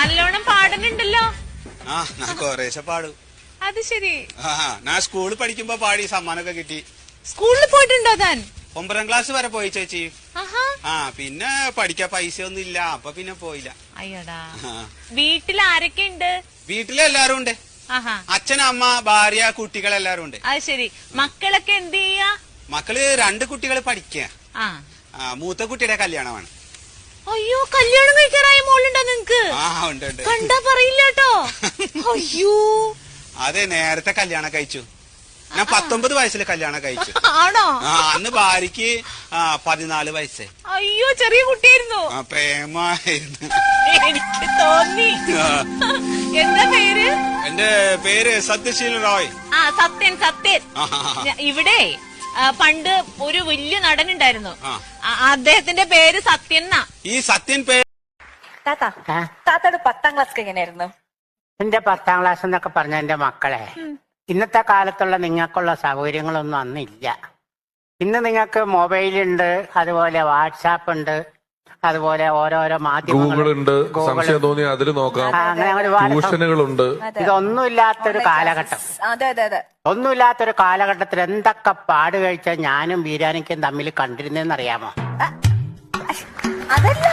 നല്ലോണം പാടുന്നുണ്ടല്ലോ. ആ ഞാൻ കൊറേശ്ശെ പാടും. അത് ശരി. ഞാൻ സ്കൂളിൽ പഠിക്കുമ്പോ പാടി സമ്മാനമൊക്കെ കിട്ടി. സ്കൂളിൽ പോയിട്ടുണ്ടോ താൻ? 9ാം ക്ലാസ് വരെ പോയി ചേച്ചി. ആഹാ. പിന്നെ പഠിക്കാൻ പൈസ ഒന്നും ഇല്ല, അപ്പൊ പിന്നെ പോയില്ല. അയ്യടാ. വീട്ടിൽ ആരൊക്കെ ഉണ്ട്? വീട്ടിലെല്ലാരും ഉണ്ട്. അച്ഛൻ, അമ്മ, ഭാര്യ, കുട്ടികളെല്ലാരും ഉണ്ട്. അത് ശരി. മക്കളൊക്കെ എന്ത് ചെയ്യാ? മക്കള് 2 കുട്ടികൾ പഠിക്കുക. മൂത്ത കുട്ടിയുടെ കല്യാണമാണ്. അയ്യോ, കല്യാണം കഴിക്കാറായ മോളുണ്ടോ നിങ്ങക്ക്? ഉണ്ട്. കണ്ടാ പറയില്ല കേട്ടോ. അയ്യോ, അതെ, നേരത്തെ കല്യാണം കഴിച്ചു. ഞാൻ 19 വയസ്സിൽ കല്യാണം കഴിച്ചു. ആണോ? അന്ന് ഭാര്യക്ക് 14 വയസ്സ്. അയ്യോ, ചെറിയ കുട്ടിയായിരുന്നു. പ്രേമായിരുന്നു. എനിക്ക് തോന്നി. എന്താ പേര്? എന്റെ പേര് സത്യശീൽ റോയ്. സത്യൻ. ഇവിടെ പണ്ട് ഒരു വലിയ നടനുണ്ടായിരുന്നു. അദ്ദേഹത്തിന്റെ പേര് സത്യൻ എന്നാ. ഈ സത്യൻ പേര്. താത്തയുടെ 10ാം ക്ലാസ് എങ്ങനെയായിരുന്നു? എന്റെ 10ാം ക്ലാസ് എന്നൊക്കെ പറഞ്ഞ എന്റെ മക്കളെ, ഇന്നത്തെ കാലത്തുള്ള നിങ്ങൾക്കുള്ള സൗകര്യങ്ങളൊന്നും അന്നില്ല. ഇന്ന് നിങ്ങൾക്ക് മൊബൈലുണ്ട്, അതുപോലെ വാട്സാപ്പ് ഉണ്ട്, അതുപോലെ ഓരോരോ മാധ്യമങ്ങളുണ്ട്, സംശയം തോന്നി അതിൽ നോക്കാം, അങ്ങനെ ഒരുപാട് ട്യൂഷനുകളുണ്ട്. ഇതൊന്നുമില്ലാത്തൊരു കാലഘട്ടം. ഒന്നുമില്ലാത്തൊരു കാലഘട്ടത്തിൽ എന്തൊക്കെ പാട് കഴിച്ചാൽ ഞാനും ബീരാനിക്കും തമ്മിൽ കണ്ടിരുന്നേന്ന് അറിയാമോ? അതല്ല,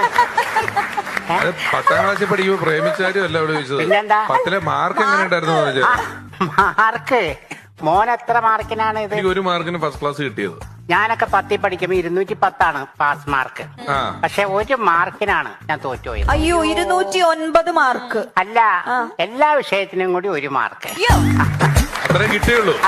10ാം ക്ലാസ്സിൽ പഠിക്കുമ്പോ പ്രേമിച്ചാരും അല്ല അവിടെ ചോദിച്ചത്. 10ലെ മാർക്ക് എങ്ങനെ ഉണ്ടായിരുന്നു? മാർക്ക് മോൻ എത്ര മാർക്കിനാണ് ഇത്? 1 മാർക്കിന് ഫസ്റ്റ് ക്ലാസ് കിട്ടിയത്. ഞാനൊക്കെ 10ൽ പഠിക്കുമ്പോ 210 പാസ് മാർക്ക്. പക്ഷെ 1 മാർക്കിനാണ് ഞാൻ തോറ്റുപോയത്. അയ്യോ, 209 മാർക്ക്. അല്ല, എല്ലാ വിഷയത്തിനും കൂടി 1 മാർക്ക് അത്രേ കിട്ടിയുള്ളൂ.